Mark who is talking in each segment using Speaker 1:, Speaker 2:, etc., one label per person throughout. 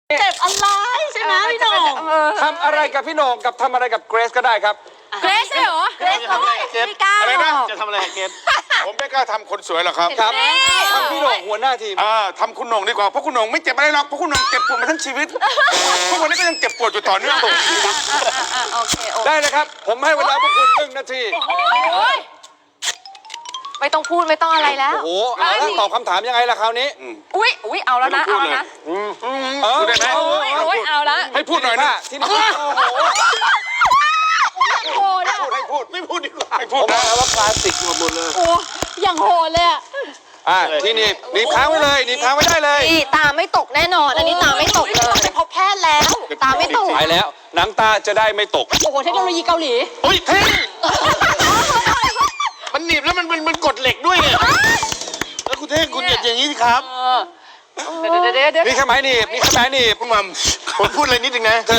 Speaker 1: เจ็บอะไรใช่ไหมพี่โหน่ง
Speaker 2: ทำอะไรกับพี่โหน่งกับทำอะไรกับเกรซก็ได้ครับ
Speaker 3: เกรซใช่เหรอเกรซเขาไม่กล้าอะไรนะ
Speaker 4: จะทำอะไรเกรซผมไม่กล้าทำคนสวยหรอกครับ
Speaker 2: ครับทำพี่โหน่งหัวหน้าทีม
Speaker 4: ทำคุณโหน่งดีกว่าเพราะคุณโหน่งไม่เจ็บอะไรหรอกเพราะคุณโหน่งเจ็บปวดมาทั้งชีวิตทุกวันนี้ก็ยังเจ็บปวดอยู่ต่อเนื่อง
Speaker 3: โอเค
Speaker 2: ได้เลยครับผมให้เวลาพวกคุณ1 นาที
Speaker 3: ไม่ต้องพูดไม่ต้องอะไรแล้ว
Speaker 2: โอ้โหแล้วตอบคำถามยังไงล่ะคราวนี้
Speaker 3: อุ้ยเอาแล้วนะเอาแล้วนะ
Speaker 4: พูดได้ไหม
Speaker 3: เอาแล้ว
Speaker 4: ให้พูดหน่อยนะ
Speaker 2: ที่นี่
Speaker 3: โหดอ่ะ
Speaker 4: ให้พูดไม่พูดดีกว่าให้พูด
Speaker 2: นะว่าคลาสสิกหมดเลย
Speaker 3: โอ้อย่างโหดเลยอ่ะ
Speaker 2: ที่นี่หนีบค้างไว้เลยหนีบค้างไว้ได้เลย
Speaker 3: นี่ตาไม่ตกแน่นอนอันนี้ตาไม่ตกเลย
Speaker 1: ไปพบแพทย์แล้ว
Speaker 3: ตาไม่ตก
Speaker 2: ไปแล้วน้ำตาจะได้ไม่ตก
Speaker 3: โอ้โหเทคโนโลยีเกาหลี
Speaker 4: เฮ้ยเท่มันหนีบแล้วมันกดเหล็กด้วยเนี่ยแล้วคุณเท่งคุณอย่างนี้สิครับ
Speaker 3: เดี๋ยว
Speaker 2: นี่แค่ไม้หนีบนี่แค่ไม้หนีบ
Speaker 4: คุณมัมผมพูดอะไรนิดนึงนะ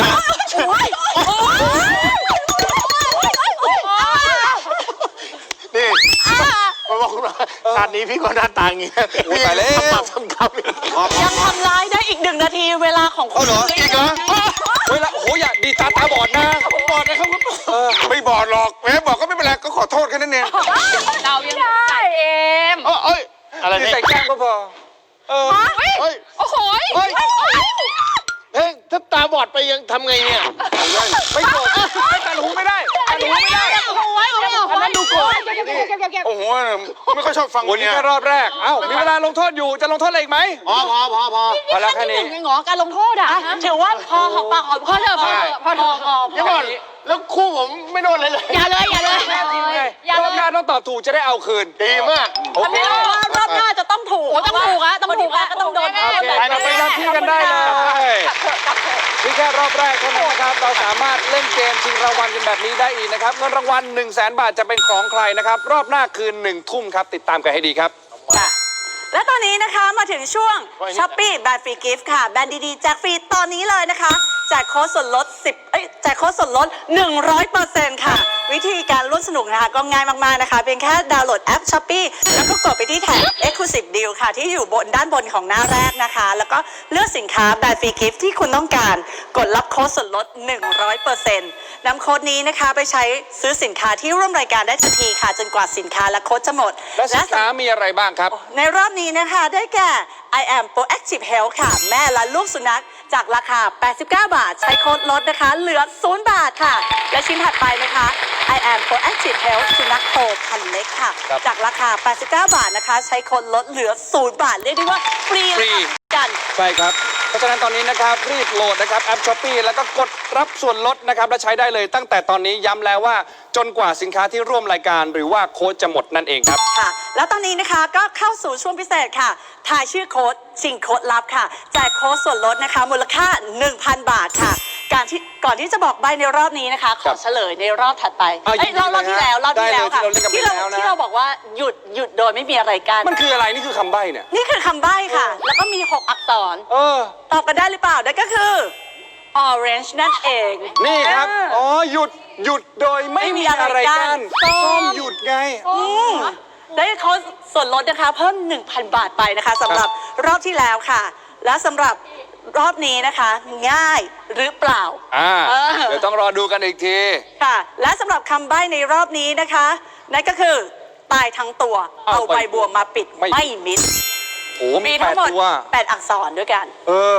Speaker 4: นี่มาบอกคุณว่าชาตินี้พี่ก็หน้าตาอย่างนี้
Speaker 2: ตายแล้ว
Speaker 4: ทำกับ
Speaker 1: ยังทำร้ายได้อีก1 นาทีเวลาของคุณ
Speaker 4: อีกเหรอ
Speaker 2: เวลาโอ้โหอย่าดีตาบอดนะ
Speaker 4: บอดนะครับไม่บอดหรอกแม้บอกก็ไม่เป็นไรก็ขอโทษแค่นั้นเอง
Speaker 3: เรายังได้เอ็ม
Speaker 4: เอ้ยอะไร
Speaker 2: ใส่แก้มก็พอ
Speaker 3: เฮ้ยโอ้โห
Speaker 4: เฮ้ยถ้าตาบอดไปยังทำไงเนี่ย
Speaker 2: ไม่โกรธไม่ตัดหูไม่ได้ตัดหูไม่ได้
Speaker 3: อันนั้นดูโกรธ
Speaker 4: โอ้โหไม่ค่อยชอบฟัง
Speaker 2: วันนี้แค่รอบแรกมีเวลาลงโทษอยู่จะลงโทษอะไรอีกไหม
Speaker 4: พอ
Speaker 2: แล้วแค่นี้
Speaker 1: หงอการลงโทษถือว่าพอหอมปากหอมคอเถอะพอ
Speaker 4: เดี๋ยวก่อนแล้วคู่ผมไม่โดนเลย
Speaker 1: อย่าเลย
Speaker 2: รอบหน้าต้องตอบถูกจะได้เอาคืน
Speaker 4: ดีมาก
Speaker 1: ถ้าไม่รู้ว่ารอบหน้าจะต้องถูก
Speaker 3: ต้องถูกก็ต้องโดน
Speaker 2: เราไปทำที่กันได้เลยนี่แค่รอบแรกเท่านั้นนะครับเราสามารถเล่นเกมชิงรางวัลกันแบบนี้ได้อีกนะครับเงินรางวัล100,000 บาทจะเป็นของใครนะครับรอบหน้าคืน1 ทุ่มครับติดตามกันให้ดีครับ
Speaker 1: และตอนนี้นะคะมาถึงช่วงช้อปปี้แบรนด์ฟรีกิฟต์ค่ะแบรนด์ดีๆแจกฟรีตอนนี้เลยนะคะแจกโค้ดส่วนลดแจกโค้ดส่วนลด 100% ค่ะวิธีการร่วมสนุกนะคะก็ง่ายมากๆนะคะเพียงแค่ดาวน์โหลดแอปช้อปปี้แล้วก็กดไปที่แท็บ Exclusive Deal ค่ะที่อยู่ด้านบนของหน้าแรกนะคะแล้วก็เลือกสินค้าแบรนด์ฟรีกิฟต์ที่คุณต้องการกดรับโค้ดส่วนลด 100% นำโค้ดนี้นะคะไปใช้ซื้อสินค้าที่ร่วมรายการได้ทันทีค่ะจนกว่าสินค้าและโค้ดจะหมด
Speaker 2: และสินค้ามีอะไรบ้างครับ
Speaker 1: ในรอบนี้นะคะได้แก่ I am Proactive Health ค่ะแม่และลูกสุนัขจากราคา89 บาทใช้โค้ดลดนะคะเหลือ0 บาทค่ะและชิ้นถัดไปนะคะ I am Proactive Health สุนัขโตพันเล็กค่ะจากราคา89 บาทนะคะใช้โค้ดลดเหลือ0 บาทเรียกได้ว่าฟรีกัน
Speaker 2: ใช่ครับเพราะฉะนั้นตอนนี้นะครับรีบโหลดนะครับแอป Shopee แล้วก็กดรับส่วนลดนะครับและใช้ได้เลยตั้งแต่ตอนนี้ย้ำแล้วว่าจนกว่าสินค้าที่ร่วมรายการหรือว่าโค้ดจะหมดนั่นเองครับ
Speaker 1: ค่ะแล้วตอนนี้นะคะก็เข้าสู่ช่วงพิเศษค่ะทายชื่อโค้ดชิงโค้ดลับค่ะแจกโค้ดส่วนลดนะคะมูลค่า 1,000 บาทค่ะก่อนที่จะบอกใบในรอบนี้นะคะขอเฉลยในรอบถัดไปรอบที่แล้วค่ะที่เราบอกว่าหยุดโดยไม่มีอะไรกัน
Speaker 2: มันคืออะไรนี่คือคำใบ้เนี่ย
Speaker 1: นี่คือคำใบ้ค่ะแล้วก็มี6 อักษรตอบกันได้หรือเปล่านั่นก็คือ orange นั่นเอง
Speaker 2: นี่ครับหยุดโดยไม่มีอะไรกันส้มหยุดไง
Speaker 1: ได้โค้ดส่วนลดนะคะเพิ่ม 1,000 บาทไปนะคะสำหรับรอบที่แล้วค่ะและสำหรับรอบนี้นะคะง่ายหรือเปล่า
Speaker 2: เดี๋ยวต้องรอดูกันอีกที
Speaker 1: ค่ะและสำหรับคำใบ้ในรอบนี้นะคะนั่นก็คือตายทั้งตัวเอาใบบัวมาปิดไม่มิด
Speaker 2: มี
Speaker 1: ทั้งหมด8 อักษรด้วยกัน